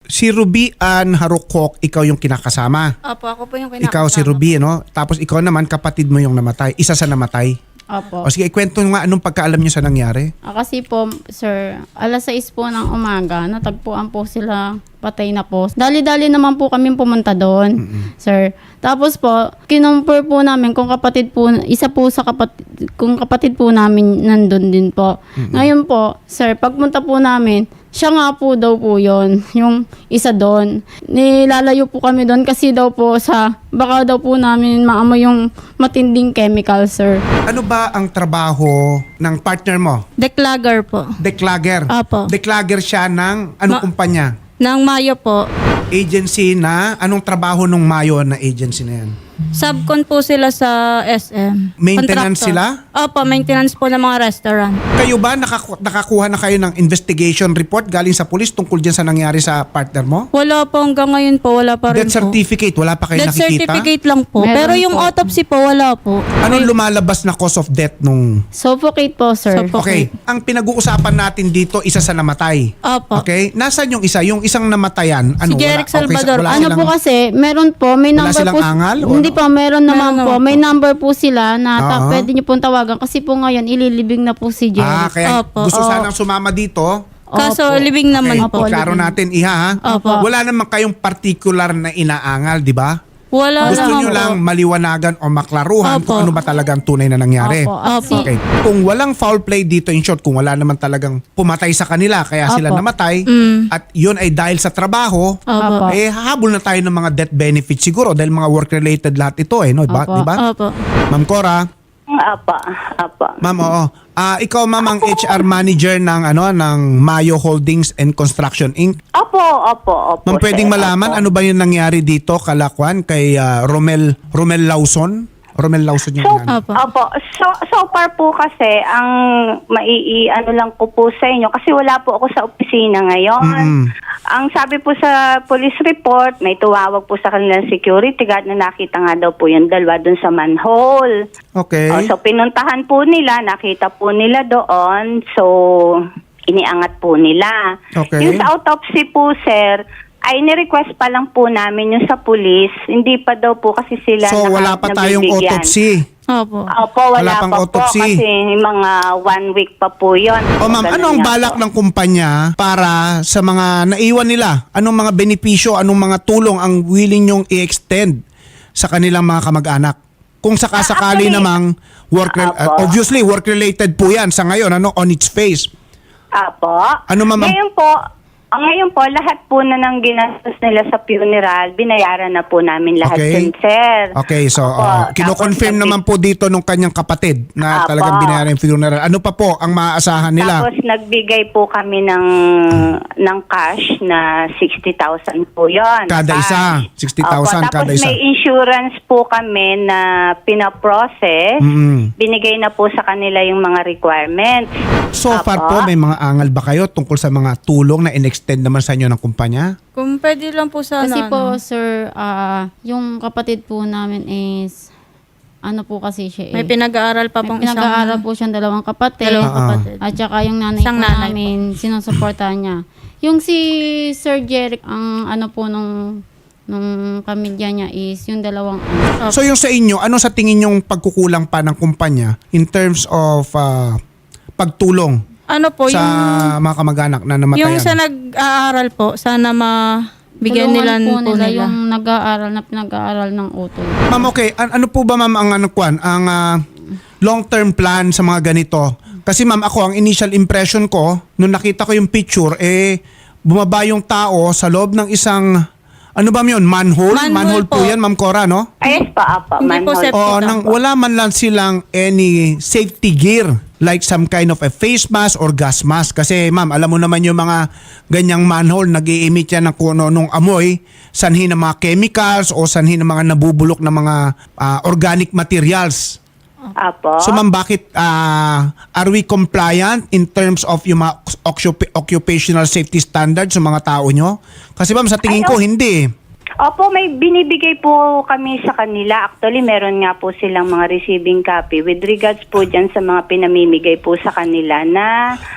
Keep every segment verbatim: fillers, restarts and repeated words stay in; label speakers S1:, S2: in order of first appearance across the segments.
S1: Si Ruby Ann Harukok, ikaw yung kinakasama.
S2: Opo, ako po yung kinakasama.
S1: Ikaw si Ruby, no? Tapos ikaw naman, kapatid mo yung namatay. Isa sa namatay.
S3: Opo.
S1: O sige, ikwento nga anong pagkaalam niyo sa nangyari.
S3: Ah, kasi po, sir, alas sais po ng umaga, natagpuan po sila, patay na po. Dali-dali naman po kami pumunta doon,
S1: Mm-mm.
S3: sir. Tapos po, kinumpir po namin kung kapatid po, isa po sa kapatid, kung kapatid po namin nandun din po.
S1: Mm-mm.
S3: Ngayon po, sir, pagpunta po namin, siya nga po daw po yon, yung isa doon. Nilalayo po kami doon kasi daw po sa, baka daw po namin maamoy yung matinding chemical, sir.
S1: Ano ba ang trabaho ng partner mo?
S2: Declagger po.
S1: Declagger.
S2: Opo.
S1: Declagger siya ng anong
S2: Ma-
S1: kumpanya?
S2: Nang Mayo po.
S1: Agency na, anong trabaho nung Mayo na agency na yan?
S2: Subcon po sila sa S M.
S1: Maintenance
S2: Contractor.
S1: sila?
S2: Opo, maintenance po ng mga restaurant.
S1: Kayo ba nakaku- nakakuha na kayo ng investigation report galing sa police tungkol dyan sa nangyari sa partner mo?
S2: Wala po hanggang ngayon po, wala pa rin
S1: Death
S2: po.
S1: certificate, wala pa kayo
S2: Death
S1: nakikita?
S2: certificate lang po.
S3: Meron
S2: Pero yung
S3: po.
S2: autopsy po, wala po.
S1: Anong lumalabas na cause of death nung...
S3: Suffocate po, sir.
S2: Suffocate.
S1: Okay, ang pinag-uusapan natin dito, isa sa namatay.
S2: Opo.
S1: Okay? Nasaan yung isa? Yung isang namatayan? Ano,
S2: Si Jeric
S1: wala- okay,
S2: Salvador.
S1: wala
S3: Ano
S1: silang-
S3: po kasi, meron po, may
S1: Wala
S3: number
S1: silang
S3: po.
S1: angal o
S3: Hindi
S1: ano?
S3: po, meron naman
S2: Meron
S3: po.
S2: naman
S3: May
S2: po.
S3: number po sila na ta-
S1: Oo.
S3: pwede niyo pong tawagan kasi po ngayon ililibing na po si Jerry.
S1: Ah, kaya
S2: Opo.
S1: gusto
S3: Oo.
S1: sanang sumama dito.
S2: Kaso
S3: Opo.
S2: living naman
S1: Okay,
S2: po.
S1: klaro
S3: living.
S1: natin, iha ha?
S2: Opo.
S1: Wala naman kayong particular na inaangal, di ba?
S2: Wala
S1: Gusto
S2: naman
S1: nyo
S2: po.
S1: lang maliwanagan o maklaruhan
S2: Opo.
S1: kung ano ba talaga ang tunay na nangyari.
S3: Opo. At
S2: Opo.
S3: si-
S1: Okay. Kung walang foul play dito, in short, kung wala naman talagang pumatay sa kanila, kaya sila
S3: Opo.
S1: namatay,
S2: Mm.
S1: at yun ay dahil sa trabaho,
S2: Opo.
S1: eh hahabol na tayo ng mga death benefits siguro dahil mga work-related lahat ito eh, no? Ba,
S3: Opo.
S1: di ba?
S2: Opo.
S1: Ma'am Cora,
S4: Apa, apa.
S1: ma'am, oo. Ah, ikaw ma'am ang H R manager ng ano ng Mayo Holdings and Construction Incorporated.
S4: Opo, opo, opo.
S1: Ma'am, pwedeng
S4: sir,
S1: malaman
S4: opo.
S1: ano ba yung nangyari dito, Kalakwan, kay ah, Romel Romel Lawson? Romel Lawson yung
S4: So,
S1: nangyari.
S2: Opo.
S4: opo. So, so far po kasi, ang maii, ano lang ko po sa inyo, kasi wala po ako sa opisina ngayon.
S1: Mm-mm.
S4: Ang sabi po sa police report, may tuwawag po sa kanilang security guard na nakita nga daw po yung dalawa dun sa manhole.
S1: Okay.
S4: Oh, so, pinuntahan po nila, nakita po nila doon. So, iniangat po nila.
S1: Okay.
S4: Yung sa autopsy po, sir, ay ni-request pa lang po namin yung sa police. Hindi pa daw po kasi sila
S1: So
S4: naka-
S1: wala pa tayong
S4: nabibigyan.
S1: autopsy.
S2: Opo.
S4: Opo, wala,
S1: Wala pang
S4: pa
S1: autopsy.
S4: po kasi mga one week pa po yun.
S1: O ma'am,
S4: Ganun
S1: ano ang
S4: nga
S1: balak
S4: po.
S1: ng kumpanya para sa mga naiwan nila? Anong mga benepisyo, anong mga tulong ang willing nyong i-extend sa kanilang mga kamag-anak? Kung sakasakali
S4: Ah, actually,
S1: namang work uh,
S4: Apo.
S1: obviously work related po 'yan sa ngayon ano on its face.
S4: Apo.
S1: Ano, ma'am?
S4: Ngayon po, ang ngayon po, lahat po na ng ginastos nila sa funeral, binayaran na po namin lahat
S1: Okay.
S4: yun, sir.
S1: Okay, so
S4: Opo.
S1: uh, kino-confirm
S4: Tapos,
S1: naman po dito nung kanyang kapatid na
S4: Apo.
S1: talagang binayaran yung funeral. Ano pa po ang maaasahan nila?
S4: Tapos nagbigay po kami ng ng cash na sixty thousand po yun.
S1: Kada
S4: Cash.
S1: isa, sixty thousand
S4: Opo, tapos
S1: kada isa.
S4: may insurance po kami na pinaprocess.
S1: Mm.
S4: Binigay na po sa kanila yung mga requirements.
S1: So far
S4: Apo.
S1: po, may mga angal ba kayo tungkol sa mga tulong na in-extend naman sa inyo ng kumpanya?
S2: Kung pwede lang po sana.
S3: Kasi po,
S2: ano.
S3: sir, ah, yung kapatid po namin is, ano po kasi siya eh.
S2: May pinag-aaral pa
S3: May
S2: pong
S3: pinag-aaral
S2: isang...
S3: po siyang dalawang kapatid.
S2: Dalawang
S1: Ah, ah.
S2: kapatid.
S3: At saka yung nanay
S2: Isang
S3: po
S2: nanay
S3: namin, sinusuportahan niya. Yung si Sir Jeric, ang ano po nung, nung pamilya niya is yung dalawang ano.
S1: So yung sa inyo, ano sa tingin yung pagkukulang pa ng kumpanya in terms of ah, pagtulong
S2: Ano po,
S1: sa
S2: yung...
S1: mga kamag-anak na namatayan?
S2: Yung sa nag-aaral po, sana mabigyan nila
S3: Tulungan
S2: po nila.
S3: yung nag-aaral na pinag-aaral ng utol.
S1: Ma'am, okay. An- ano po ba ma'am ang ano kwan, ang ah, long-term plan sa mga ganito? Kasi ma'am, ako ang initial impression ko nung nakita ko yung picture eh bumaba yung tao sa loob ng isang ano ba yun? Manhole?
S2: Manhole
S1: po.
S2: po.
S1: yan, Ma'am Cora, no?
S4: Ayos pa, apa.
S2: Hindi po,
S4: manhole.
S2: sir.
S1: O
S2: Safety
S1: nang
S2: lang.
S1: wala man lang silang any safety gear like some kind of a face mask or gas mask. Kasi ma'am, alam mo naman yung mga ganyang manhole, nag-i-emit yan ng kung ano-anong amoy, sanhi ng mga chemicals o sanhi ng mga nabubulok na mga ah, organic materials.
S4: Apo.
S1: So ma'am, bakit ah, are we compliant in terms of yung mga occup- occupational safety standards sa mga tao nyo? Kasi ma'am, sa tingin
S4: Ay,
S1: ko
S4: oh.
S1: hindi.
S4: Opo, may binibigay po kami sa kanila. Actually, meron nga po silang mga receiving copy with regards po dyan sa mga pinamimigay po sa kanila na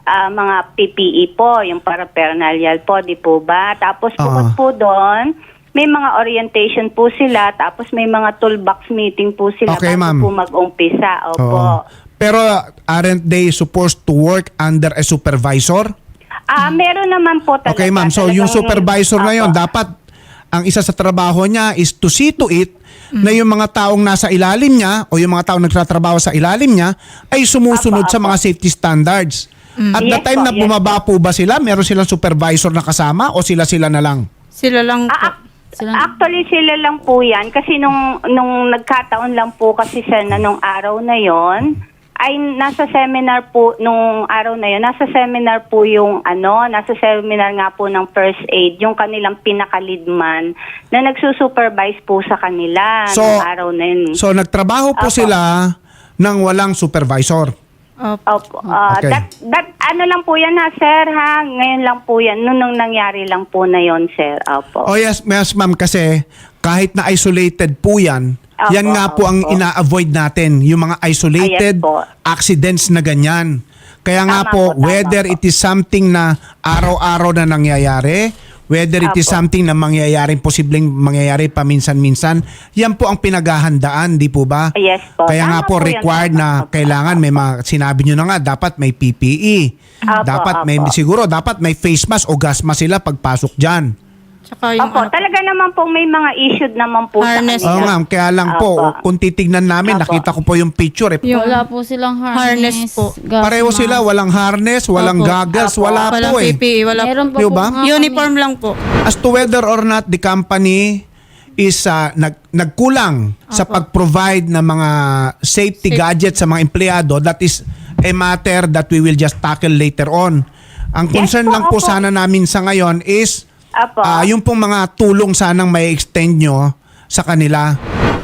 S4: ah, mga P P E po, yung paraphernalia po, di po ba? Tapos bukod
S1: Ah.
S4: po doon, may mga orientation po sila, tapos may mga toolbox meeting po sila
S1: Okay,
S4: bago
S1: ma'am.
S4: po mag-umpisa. Opo.
S1: Oo. Pero aren't they supposed to work under a supervisor?
S4: Ah, meron naman po talaga.
S1: Okay, ma'am. So, yung
S4: Talagang-
S1: supervisor na yon,
S4: Opo.
S1: dapat ang isa sa trabaho niya is to see to it na yung mga taong nasa ilalim niya o yung mga taong nagtatrabaho sa ilalim niya ay sumusunod
S4: Apo,
S1: sa
S4: apo.
S1: mga safety standards. At the
S4: Yes
S1: time
S4: po,
S1: na
S4: yes
S1: bumaba po ba sila, meron silang supervisor na kasama o sila-sila na lang?
S2: Sila lang po.
S4: Ah, ac-
S3: Sila-
S4: actually, sila lang po yan. Kasi nung, nung nagkataon lang po kasi siya na nung araw na yon ay nasa seminar po, nung araw na yon nasa seminar po yung ano, nasa seminar nga po ng first aid, yung kanilang pinaka-lead man na nagsusupervise po sa kanila
S1: So,
S4: nung araw na yun.
S1: So, nagtrabaho po
S4: Apo.
S1: sila ng walang supervisor.
S2: Opo.
S4: Opo. Ah,
S1: Okay.
S4: that, that, ano lang po yan ha, sir, ha? Ngayon lang po yan. Nung, nung nangyari lang po na yon sir. Opo.
S1: Oh yes, yes ma'am, kasi kahit na isolated po yan,
S4: Apo,
S1: yan nga po ang
S4: opo.
S1: ina-avoid natin, yung mga isolated
S4: Ah, yes po.
S1: accidents na ganyan. Kaya nga
S4: Tama
S1: po,
S4: po, tama
S1: whether
S4: po.
S1: it is something na araw-araw na nangyayari, whether it is
S4: Apo.
S1: something na mangyayaring posibleng mangyayari paminsan-minsan, yan po ang pinaghahandaan, di po ba?
S4: Yes po.
S1: Kaya nga
S4: Tama
S1: po,
S4: po yan,
S1: required
S4: tama
S1: na
S4: po.
S1: kailangan may mga, sinabi nyo na nga, dapat may P P E.
S4: Apo,
S1: dapat may,
S4: apo.
S1: siguro, dapat may face mask o gas mask sila pagpasok dyan.
S2: Tsaka yung
S4: Opo,
S2: ano po,
S4: talaga naman po may mga issued naman po
S2: Harness.
S4: sa
S1: Oo
S4: kanila.
S1: ma'am, kaya lang po,
S4: Opo.
S1: kung titignan namin,
S4: Opo.
S1: nakita ko po yung picture. Eh.
S2: Yung
S3: Wala po silang harness.
S2: harness po.
S3: gas
S1: Pareho
S3: mask.
S1: sila, walang harness, walang
S2: Opo.
S1: goggles,
S4: Opo.
S1: wala
S2: walang
S1: po eh.
S2: P P E, wala
S3: Meron pa
S1: Di
S3: po
S1: ba?
S3: nga
S2: Uniform lang po.
S1: As to whether or not the company is uh, nag, nagkulang sa pag-provide ng mga safety
S2: Safe-
S1: gadgets sa mga empleyado, that is a matter that we will just tackle later on. Ang
S4: Yes
S1: concern
S4: po,
S1: lang po
S4: opo.
S1: sana namin sa ngayon is
S4: Apo.
S1: ah, yung pong mga tulong sanang may extend nyo sa kanila.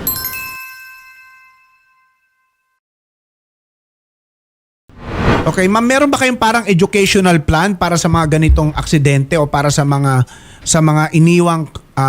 S1: Okay, ma'am, meron ba kayong parang educational plan para sa mga ganitong aksidente o para sa mga sa mga iniwang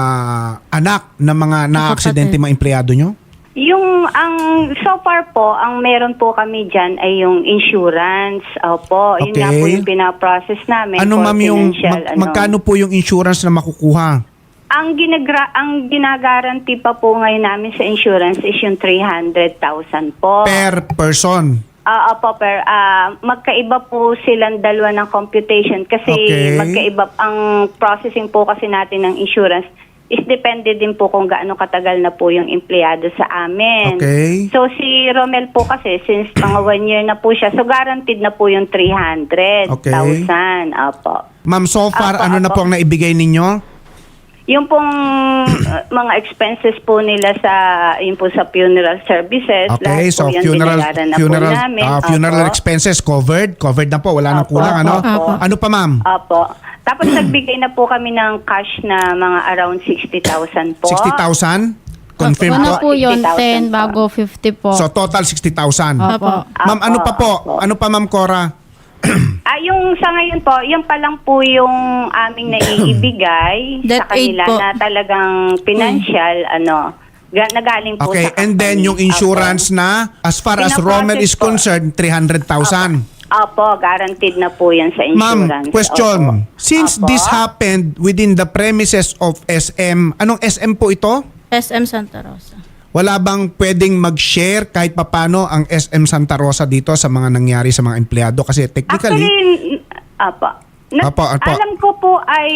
S1: ah, anak ng mga na-aksidente mga empleyado nyo?
S4: Yung ang so far po, ang meron po kami diyan ay yung insurance. Opo, yun nga
S1: Okay.
S4: po yung pina-process namin.
S1: Ano
S4: for
S1: ma'am yung
S4: financial,
S1: mag-
S4: ano.
S1: magkano po yung insurance na makukuha?
S4: Ang ginagra ang ginagaranti pa po ngayon namin sa insurance is yung three hundred thousand po.
S1: Per person.
S4: Ah, opo, per, ah, magkaiba po silang dalawa ng computation kasi
S1: Okay.
S4: magkaiba ang processing po kasi natin ng insurance is depende din po kung gaano katagal na po yung empleyado sa amin.
S1: Okay.
S4: So si Romel po kasi since mga one year na po siya, so guaranteed na po yung three hundred thousand. Opo.
S1: Ma'am, so far
S4: Apo,
S1: ano na
S4: apo.
S1: po ang naibigay ninyo?
S4: Yung pong uh, mga expenses po nila sa yung po sa funeral services,
S1: Okay,
S4: lahat
S1: so
S4: po yan
S1: funeral
S4: binayaran na
S1: funeral
S4: po namin.
S1: ah, funeral
S4: Opo.
S1: expenses covered, covered na po, wala nang
S4: Opo,
S1: kulang ano?
S4: opo.
S1: Ano pa ma'am?
S4: Opo. Tapos nagbigay na po kami ng cash na mga around sixty thousand po.
S1: sixty thousand? Confirm
S3: Una
S1: po?
S3: po yun,
S4: sixty thousand
S3: ten
S4: po.
S3: bago fifty po.
S1: So total sixty thousand.
S3: Opo.
S1: Ma'am, ano pa po?
S4: Opo.
S1: Ano pa ma'am Cora?
S4: Ah, yung sa ngayon po, yung pa lang po yung aming naiibigay sa
S2: That aid
S4: kanila
S2: po.
S4: na talagang financial, ano, ga- nagaling po
S1: Okay,
S4: sa
S1: and then
S4: company.
S1: yung insurance na as far as
S4: Pinaprocess
S1: Rommel is
S4: po.
S1: concerned, three hundred thousand.
S4: Opo, guaranteed na po yan sa
S1: Ma'am,
S4: insurance.
S1: question.
S4: Opo.
S1: Since
S4: Opo.
S1: this happened within the premises of S M, anong S M po ito?
S2: S M Santa Rosa.
S1: Wala bang pwedeng mag-share kahit papano ang S M Santa Rosa dito sa mga nangyari sa mga empleyado? Kasi technically,
S4: Actually, n- apa. Na,
S1: Apo, apo.
S4: Alam ko po ay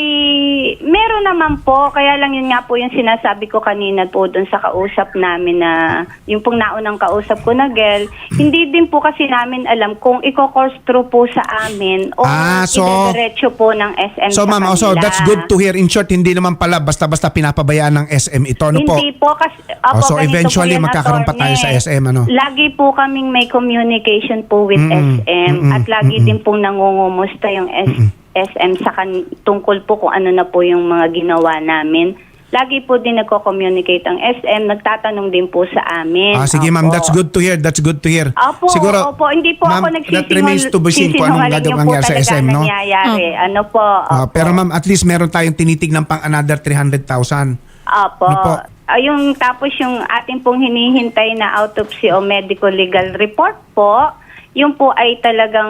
S4: meron naman po, kaya lang yun nga po yung sinasabi ko kanina po doon sa kausap namin na yung pong naunang kausap ko na girl, hindi din po kasi namin alam kung i-course through po sa amin o
S1: Ah, so-
S4: idediretso po ng S M
S1: so
S4: sa
S1: ma'am,
S4: kanila.
S1: also that's good to hear. In short, hindi naman pala basta-basta pinapabayaan ng S M ito. Ano po?
S4: Hindi po kasi
S1: Oh,
S4: opo,
S1: so
S4: ganito
S1: eventually
S4: po yan,
S1: magkakaroon pa tayo sa
S4: attorney.
S1: S M, ano?
S4: Lagi po kaming may communication po with
S1: Mm-mm,
S4: S M
S1: mm-mm,
S4: at lagi
S1: mm-mm.
S4: din pong nangungumusta yung S- SM sa kan- tungkol po kung ano na po yung mga ginawa namin. Lagi po din nagko-communicate ang S M, nagtatanong din po sa amin.
S1: Ah, sige ma'am,
S4: Opo.
S1: that's good to hear. That's good to hear.
S4: Opo,
S1: Siguro,
S4: opo, hindi po
S1: ma'am,
S4: ako
S1: that remains to be seen kung anong
S4: nagsisinungaling.
S1: gagawin
S4: Yung po
S1: mangyari sa S
S4: talaga
S1: M, no?
S4: nangyayari. Ano po?
S1: Ah,
S4: Opo.
S1: pero ma'am, at least meron tayong tinitignan pang another three hundred thousand.
S4: Opo.
S1: Ano po?
S4: Ah, yung tapos yung ating pong hinihintay na autopsy o medical legal report po, yung po ay talagang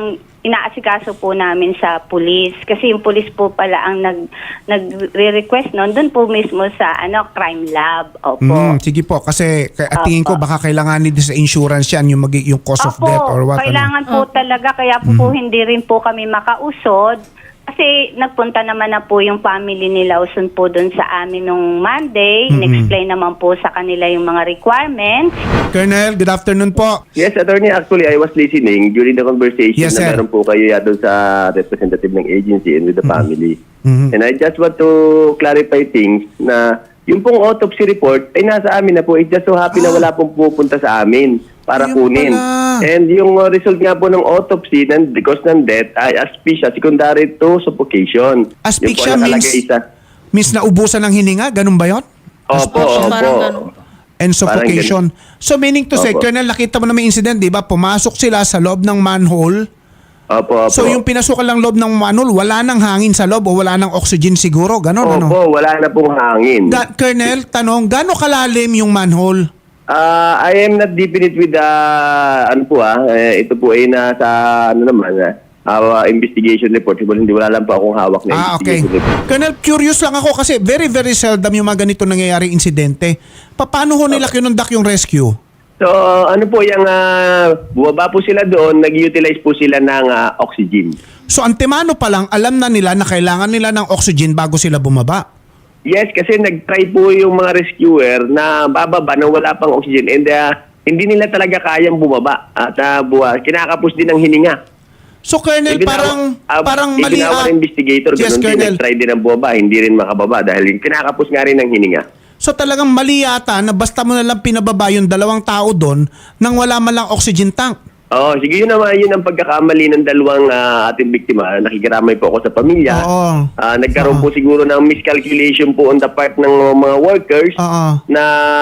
S4: inaasikaso po namin sa pulis. Kasi yung pulis po pala ang nag, nagre-request noon, doon po mismo sa ano crime lab. Opo.
S1: Mm, sige po, kasi k- at tingin ko
S4: Opo.
S1: baka kailanganin din sa insurance yan, yung, magi- yung cause of
S4: Opo,
S1: death or what.
S4: kailangan po talaga, kaya po, po hindi rin po kami makausod. Kasi nagpunta naman na po yung family ni Lawson po doon sa amin nung Monday. In-explain naman po sa kanila yung mga requirements.
S1: Ano? Colonel, good afternoon po.
S5: Yes, attorney, actually, I was listening during the conversation
S1: Yes,
S5: na
S1: sir.
S5: meron po kayo doon sa representative ng agency and with the family.
S1: Mhm.
S5: And I just want to clarify things na yung pong autopsy report ay nasa amin na po. It's just so happy na wala pong pupunta sa amin para
S1: Ayun
S5: kunin.
S1: pala.
S5: And yung uh, result nga po ng autopsy ng because ng death ay asphyxia secondary to suffocation.
S1: Asphyxia
S5: Yung po
S1: means,
S5: nakalagay sa-
S1: means naubusan ng hininga, ganun ba yun?
S5: Opo,
S2: Opo, parang
S5: opo.
S2: ganun.
S1: And suffocation. So meaning to say,
S5: Opo.
S1: Colonel, nakita mo na may incident, di ba? Pumasok sila sa loob ng manhole.
S5: Opo, opo.
S1: So yung pinasukan lang loob ng manhole, wala nang hangin sa loob o wala nang oxygen siguro, ganun ano?
S5: Opo, wala na pong hangin.
S1: Da- Colonel, tanong, gaano kalalim yung manhole?
S5: Ah, I am not deep in it with the ano po ah, eh, ito po ay nasa ano naman ah, investigation report. Well, hindi wala lang po akong hawak na
S1: Ah, okay.
S5: investigation report.
S1: Colonel, curious lang ako kasi very, very seldom yung mga ganito nangyayaring insidente. Pa- Paano ho nila kinundak yung rescue?
S5: So, ano po yung ah, bumaba po sila doon, nag-utilize po sila ng ah, oxygen.
S1: So antemano pa lang, alam na nila na kailangan nila ng oxygen bago sila bumaba.
S5: Yes, kasi nag-try po yung mga rescuer na bababa nang wala pang oxygen and ah, hindi nila talaga kayang bumaba at uh, buwa, kinakapos din ng hininga.
S1: So Colonel,
S5: Ibinawa-
S1: parang
S5: ah,
S1: parang mali
S5: ibinawa
S1: ah.
S5: ng investigator,
S1: Yes,
S5: ganun din,
S1: Colonel.
S5: nag-try din ng bumaba, hindi rin makababa dahil kinakapos nga rin ng hininga.
S1: So talagang mali yata na basta mo na lang pinababa yung dalawang tao doon nang wala man lang oxygen tank.
S5: Oo, sige yun naman, yun ang pagkakamali ng dalawang ah, ating biktima. Nakikiramay po ako sa pamilya.
S1: Oo.
S5: Ah, nagkaroon
S1: Oo.
S5: po siguro ng miscalculation po on the part ng mga workers
S1: Oo.
S5: na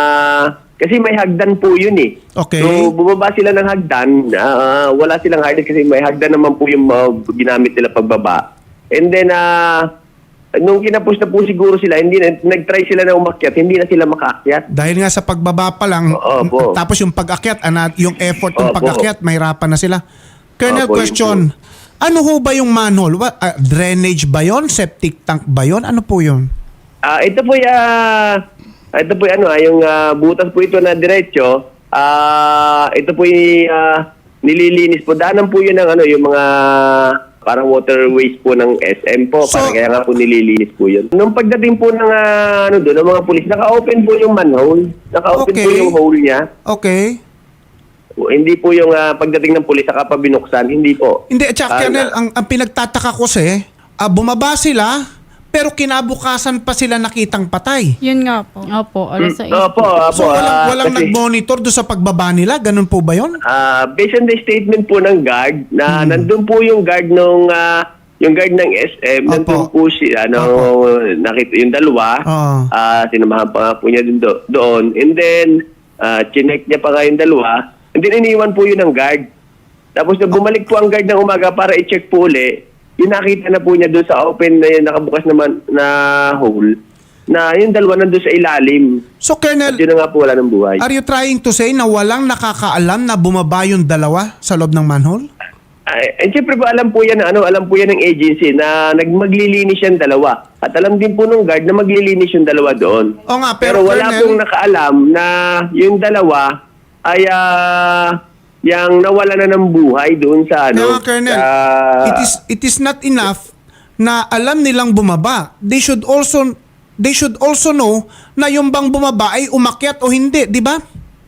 S5: kasi may hagdan po yun eh.
S1: Okay.
S5: So bumaba sila ng hagdan, ah, wala silang harness kasi may hagdan naman po yung ah, ginamit nila pagbaba. And then ah, nung kinapos na po siguro sila, hindi na, nag-try sila na umakyat, hindi na sila makaakyat.
S1: Dahil nga sa pagbaba pa lang,
S5: Oo, po.
S1: tapos yung pag-akyat, ana- yung effort ng
S5: Opo.
S1: pag-akyat, mahirapan na sila. Colonel,
S5: Opo, yun
S1: question, ano ho ba yung manhole? What, ah, drainage ba yon? Septic tank ba yon? Ano po yun?
S5: Ah, ito po ya ito po ano, ah, yung ah, butas po ito na diretso. Ah, ito po yung ah, nililinis po. Daanan po yun ng ano, yung mga parang waterways po ng S M po.
S1: So-
S5: parang kaya nga po nililinis po yun. Nung pagdating po ng ah, ano doon, ng mga pulis, naka-open po yung manhole. Naka-open
S1: Okay.
S5: po yung hole niya.
S1: Okay.
S5: O, hindi po yung ah, pagdating ng pulis, saka pa binuksan. Hindi po.
S1: Hindi, at saka,
S5: Ah,
S1: Colonel,
S5: na-
S1: ang, ang pinagtataka ko kasi, ah, bumaba sila, pero kinabukasan pa sila nakitang patay.
S2: Yun nga po.
S3: Opo, alas sa
S5: Opo, opo.
S1: So walang,
S5: ah,
S1: walang
S5: kasi-
S1: nag-monitor doon sa pagbaba nila? Ganun po ba yun?
S5: Ah, based on the statement po ng guard na
S1: Hmm.
S5: nandun po yung guard nung ah, yung guard ng S M,
S1: Opo.
S5: nandun po si ano nakita yung dalawa.
S1: Oo.
S5: Ah, sinamahan pa nga po niya dun do- doon. And then ah, chinek niya pa nga yung dalawa. And then iniwan po yun ng guard. Tapos na bumalik po ang guard ng umaga para i-check po uli. Yung nakita na po niya doon sa open na yun, nakabukas naman na hole, na yung dalawa nandun sa ilalim.
S1: So,
S5: At
S1: Colonel,
S5: yun na nga po wala ng buhay.
S1: are you trying to say na walang nakakaalam na bumaba yung dalawa sa loob ng manhole?
S5: Ay, and siyempre po alam po yan, ano, alam po yan ng agency na nagmaglilinis yan dalawa. At alam din po nung guard na maglilinis yung dalawa doon.
S1: O nga,
S5: Pero,
S1: pero,
S5: wala
S1: Colonel,
S5: pong nakaalam na yung dalawa ay ah, yang nawala na ng buhay doon sa ano.
S1: Kaya nga, Colonel,
S5: sa-
S1: it is it is not enough na alam nilang bumaba. They should also they should also know na yung bang bumaba ay umakyat o hindi, di ba?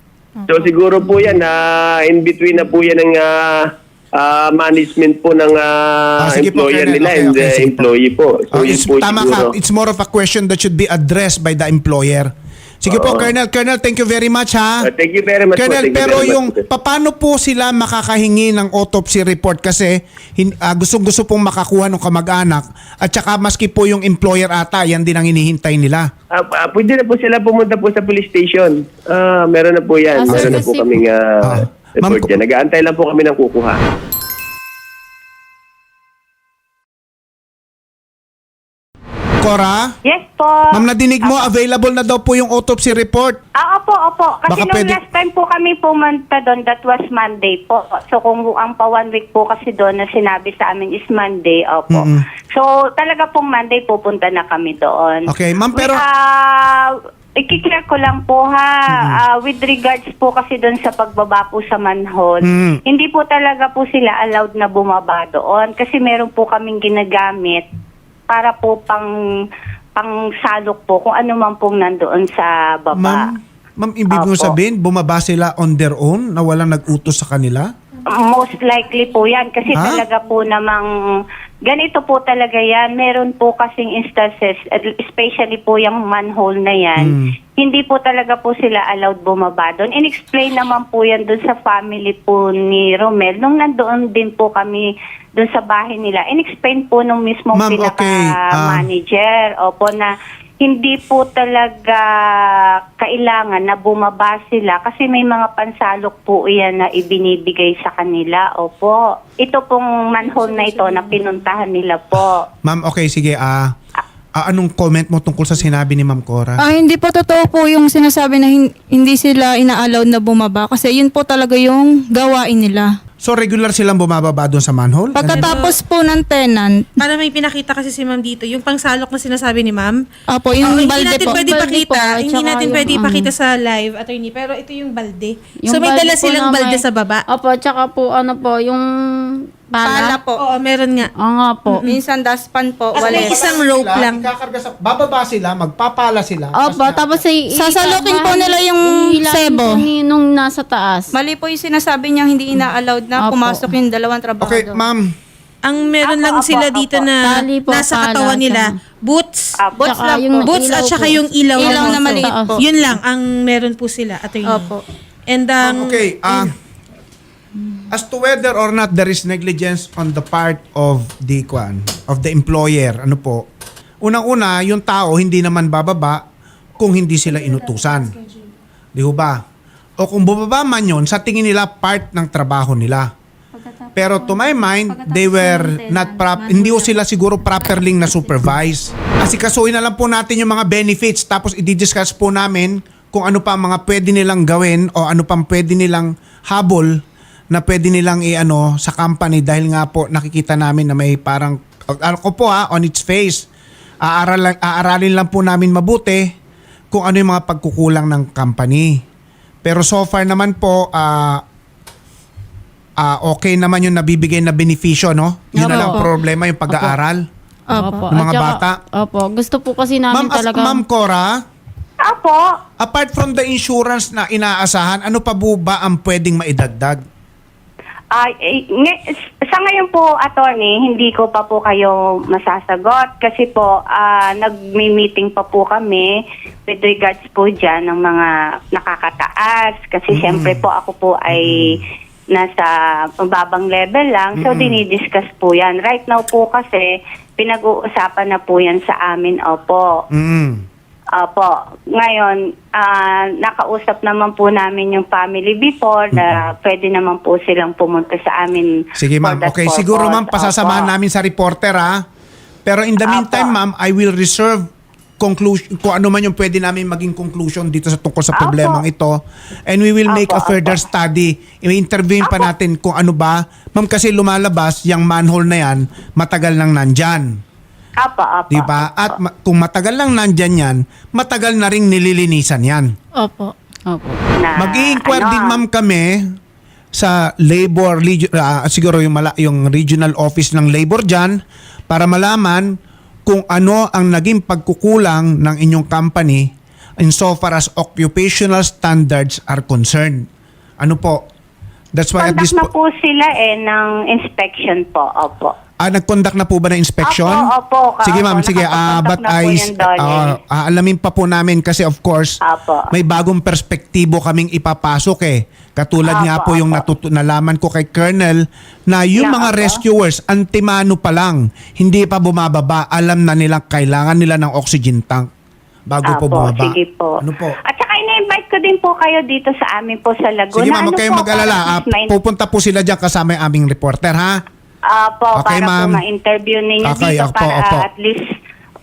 S5: So siguro po yan na in between na po yan ng ah, ah, management po ng ah,
S1: Ah, sige po,
S5: employer
S1: Colonel.
S5: nila
S1: Okay,
S5: and
S1: okay,
S5: the
S1: sige po.
S5: employee po. So
S1: Oh,
S5: yun
S1: it's,
S5: po
S1: tama
S5: siguro.
S1: ka. It's more of a question that should be addressed by the employer. Sige po,
S5: Oo.
S1: Colonel. Colonel, thank you very much, ha?
S5: Ah, thank you very much po.
S1: Colonel,
S5: Thank you
S1: pero
S5: very much
S1: yung
S5: po.
S1: paano po sila makakahingi ng autopsy report kasi hin, ah, gustong-gusto pong makakuha ng kamag-anak at saka maski po yung employer ata, yan din ang hinihintay nila.
S5: Ah, ah, pwede na po sila pumunta po sa police station. Ah, meron na po yan.
S3: Ah,
S5: meron
S3: sir,
S5: na po
S3: kasi-
S5: kaming ah,
S1: Ah,
S5: report
S1: ma'am-
S5: dyan. Nag-aantay lang po kami ng kukuha.
S1: Cora?
S4: Yes po.
S1: Ma'am, nadinig mo, available na daw po yung autopsy report.
S4: Ah, opo, opo. Kasi
S1: Baka
S4: nung
S1: pwede-
S4: last time po kami pumunta doon, that was Monday po. So kung ang pa one week po kasi doon na sinabi sa amin is Monday, opo.
S1: Mm-mm.
S4: So talaga pong Monday pupunta na kami doon.
S1: Okay, ma'am, pero-
S4: Ah, i-clear ko lang po ha, Ah, with regards po kasi doon sa pagbaba po sa manhole,
S1: Mm.
S4: hindi po talaga po sila allowed na bumaba doon kasi meron po kaming ginagamit para po pang pang salok po kung ano man pong nandoon sa baba.
S1: Ma'am, ma'am, ibig mo
S4: Opo.
S1: sabihin, bumaba sila on their own na walang nag-utos sa kanila?
S4: Most likely po yan kasi
S1: Ha?
S4: talaga po namang ganito po talaga yan. Meron po kasing instances, especially po yung manhole na yan,
S1: Mm.
S4: hindi po talaga po sila allowed bumaba doon. In-explain naman po yan doon sa family po ni Romel. Nung nandoon din po kami doon sa bahay nila, in-explain po nung mismong
S1: Ma'am, okay. Ah.
S4: pinaka-manager. Opo, na hindi po talaga kailangan na bumaba sila kasi may mga pansalok po yan na ibinibigay sa kanila. Opo. Ito pong manhole na ito na pinuntahan nila po.
S1: Ma'am, okay, sige. Ah, ah, anong comment mo tungkol sa sinabi ni Ma'am Cora?
S2: Ah, hindi po totoo po yung sinasabi na hin- hindi sila ina-allowed na bumaba kasi yun po talaga yung gawain nila.
S1: So, regular silang bumababa doon sa manhole?
S2: Pagkatapos po ng tenant,
S6: Para may pinakita kasi si ma'am dito, yung pangsalok na sinasabi ni ma'am.
S2: apo, yung
S6: Oo, hindi
S2: balde
S6: natin
S2: po.
S6: pwede
S3: Balde
S6: ipakita,
S3: po,
S6: hindi
S3: tsaka
S6: natin
S3: yung
S6: pwede
S3: ano.
S6: ipakita sa live, attorney, pero ito yung balde.
S3: Yung
S6: so may
S3: balde
S6: dala
S3: po
S6: silang
S3: na
S6: balde
S3: may-
S6: sa baba.
S3: Opo, tsaka po ano po, yung
S2: Pala
S3: pala.
S2: po.
S6: Oo, meron nga.
S3: Oo nga po.
S2: Minsan daspan po,
S6: At may
S2: walis.
S6: isang rope lang.
S1: Ikakarga sa, bababa sila, magpapala sila.
S3: Opo, tapos ay
S2: Sasalukin po nila yung sebo.
S3: po ni, nung nasa taas.
S2: Mali po yung sinasabi niya hindi ina-allowed na
S3: Opo.
S2: pumasok yung dalawang trabaho.
S1: Okay, ma'am.
S6: Ang meron
S4: Apo,
S6: lang
S4: apo,
S6: sila
S4: apo.
S6: dito na
S3: Tali po,
S6: nasa
S3: pala,
S6: katawan nila,
S3: tsaka-
S6: boots,
S4: Apo.
S2: Boots
S3: Tsaka
S2: lang
S3: yung
S2: po.
S6: boots
S3: ilaw
S6: at saka
S3: po.
S6: yung ilaw,
S2: Ilaw
S6: lang
S2: na
S6: dito.
S2: maliit po.
S6: Yun lang ang meron po sila, attorney.
S2: Opo.
S6: And um,
S1: Okay, ah, as to whether or not there is negligence on the part of the kwan, of the employer, ano po, unang-una, yung tao hindi naman bababa kung hindi sila inutusan. Di ho ba? O kung bumaba man yun, sa tingin nila part ng trabaho nila. Pero to my mind, they were not prop, hindi ho sila siguro properly na supervise. Kasi kasuhin na lang po natin yung mga benefits tapos i-discuss po namin kung ano pa ang mga pwede nilang gawin o ano pang pwede nilang habol na pwede nilang i-ano sa company dahil nga po nakikita namin na may parang, ako po ha, on its face, aaral, aaralin lang po namin mabuti kung ano yung mga pagkukulang ng company. Pero so far naman po, ah, ah, okay naman yung nabibigay na benepisyo, no? Yun na
S3: Opo.
S1: lang problema, yung pag-aaral.
S2: Opo.
S1: Ng mga
S3: At saka-
S1: bata.
S3: Opo, gusto po kasi namin
S1: Ma'am, as,
S3: talaga.
S1: Ma'am Cora,
S4: Apo.
S1: apart from the insurance na inaasahan, ano pa po ba ang pwedeng maidagdag?
S4: Ay, eh, nge- sa ngayon po, attorney, hindi ko pa po kayo masasagot kasi po ah, nag-meeting pa po kami with regards po dyan ng mga nakakataas. Kasi siyempre po ako po ay nasa mababang level lang. So, dinidiscuss po yan. Right now po kasi, pinag-uusapan na po yan sa amin. Opo.
S1: Mm.
S4: Opo. Ngayon, ah, nakausap naman po namin yung family before na pwede naman po silang pumunta sa amin.
S1: Sige
S4: for
S1: ma'am,
S4: that
S1: okay. Siguro ma'am,
S4: purpose.
S1: pasasamahan
S4: Opo.
S1: namin sa reporter ha. Pero in the
S4: Opo.
S1: meantime ma'am, I will reserve conclusion, kung ano man yung pwede namin maging conclusion dito sa tungkol sa
S4: Opo.
S1: problemang ito. And we will make a
S4: Opo,
S1: further
S4: opo.
S1: study. I-interviewin pa natin kung ano ba. Ma'am, kasi lumalabas, yung manhole na yan, matagal nang nandyan.
S4: Apo, apo.
S1: Di ba? At ma- kung matagal lang nandyan yan, matagal na rin nililinisan yan.
S2: Opo.
S3: Opo.
S4: Na,
S1: Mag-i-inquire
S4: ano,
S1: din ma'am kami sa labor, regi- ah, siguro yung, mala- yung regional office ng labor dyan para malaman kung ano ang naging pagkukulang ng inyong company insofar as occupational standards are concerned. Ano po? That's why at
S4: Conduct
S1: this
S4: na
S1: po,
S4: po sila eh ng inspection po. Opo.
S1: ah, nag-conduct na po ba ng inspection?
S4: Opo, opo.
S1: Sige ma'am,
S4: Opo,
S1: sige. Ah,
S4: nakakonduct
S1: but
S4: na po
S1: I,
S4: yan doon eh.
S1: ah, ah, alamin pa po namin kasi of course,
S4: Opo.
S1: may bagong perspektibo kaming ipapasok eh. Katulad
S4: Apo,
S1: nga po yung
S4: apo.
S1: natutu- nalaman ko kay Colonel na yung
S4: Na,
S1: mga
S4: apo.
S1: rescuers, antimano pa lang, hindi pa bumababa, alam na nilang kailangan nila ng oxygen tank bago po
S4: Apo,
S1: bumaba.
S4: sige po.
S1: Ano po?
S4: At saka ina-invite ko din po kayo dito sa amin po sa Laguna.
S1: Sige ma'am, huwag
S4: Ano
S1: kayong
S4: po,
S1: mag-alala.
S4: para
S1: Ah,
S4: at least may-
S1: pupunta po sila dyan kasama yung aming reporter ha?
S4: Ah, po,
S1: Okay,
S4: para
S1: ma'am.
S4: po ma-interview ninyo
S1: Okay,
S4: dito
S1: opo,
S4: para
S1: opo.
S4: at least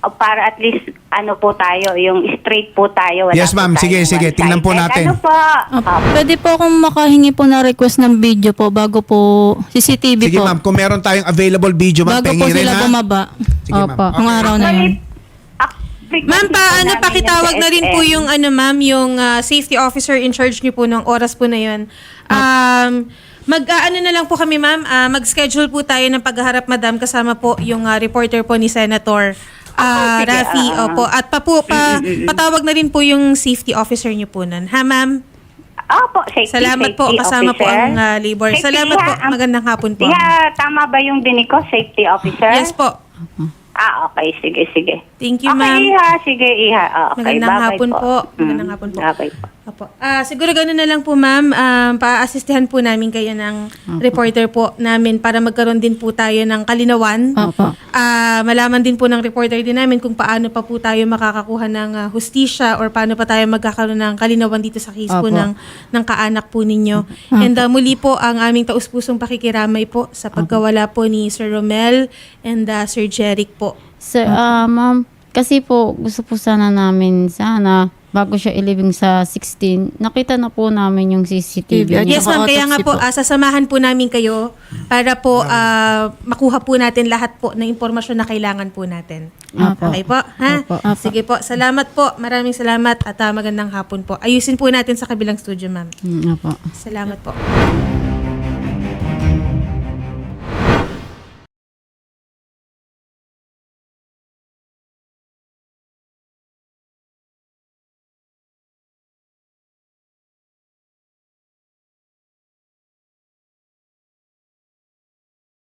S4: uh, para at least ano po tayo, yung straight po tayo. Wala
S1: Yes,
S4: po
S1: ma'am.
S4: tayong
S1: Sige, sige.
S4: one-sided.
S1: Tingnan po natin.
S4: Ano po?
S2: Opo.
S4: Opo.
S2: Pwede po akong makahingi po na request ng video po bago po C C T V
S1: Sige
S2: po.
S1: ma'am, kung meron tayong available video, ma'am,
S2: Bago po
S1: pengi rin
S2: sila
S1: ha.
S2: bumaba.
S1: Sige ma'am.
S3: Opo.
S2: Nung araw na yun.
S6: Ma'am, pa, ano, pakitawag na rin po yung, ano, ma'am, yung ah, safety officer in charge niyo po ng oras po na yun. Um, mag, ah, ano na lang po kami, ma'am, ah, mag-schedule po tayo ng pagharap, madam, kasama po yung ah, reporter po ni Senator ah,
S4: sige,
S6: Raffy.
S4: ah.
S6: Opo. At pa po, pa, patawag na rin po yung safety officer niyo po nun. Ha, ma'am?
S4: Opo, safety,
S6: Salamat po.
S4: safety
S6: Kasama po
S4: officer.
S6: ang ah, labor.
S4: Safety,
S6: Salamat po.
S4: ha?
S6: Magandang hapon po.
S4: Yeah, tama ba yung dinig ko, safety officer?
S6: Yes po.
S4: Ah, okay. Sige, sige.
S6: Thank you,
S4: Okay,
S6: ma'am.
S4: Iha. Sige, Iha. Ah, okay.
S6: Magandang
S4: Bye-bye
S6: hapon po.
S4: Mm,
S6: Magandang hapon po.
S4: Okay po.
S6: Opo. Ah, siguro gano'n na lang po, ma'am. Um, pa-assistihan po namin kayo ng reporter po namin para magkaroon din po tayo ng kalinawan.
S2: Opo.
S6: Ah, malaman din po ng reporter din namin kung paano pa po tayo makakakuha ng ah, hustisya or paano pa tayo magkakaroon ng kalinawan dito sa case po
S2: Opo.
S6: ng, ng kaanak po ninyo. And ah, muli po ang aming taus-pusong pakikiramay po sa pagkawala po ni Sir Romel and ah, Sir Jeric po.
S3: Sir, ah, ma'am, kasi po gusto po sana namin sana bago siya ilibing sa sixteen, nakita na po namin yung C C T V.
S2: At
S6: Yes, ma'am. Kaya nga
S2: Naka-autopsy
S6: po,
S2: po.
S6: ah, sasamahan po namin kayo para po ah, makuha po natin lahat po ng impormasyon na kailangan po natin.
S3: Opo.
S6: Okay po? Ha?
S3: Opo.
S6: Sige po. Salamat po. Maraming salamat at ah, magandang hapon po. Ayusin po natin sa kabilang studio, ma'am.
S3: Mm, opo.
S6: Salamat po.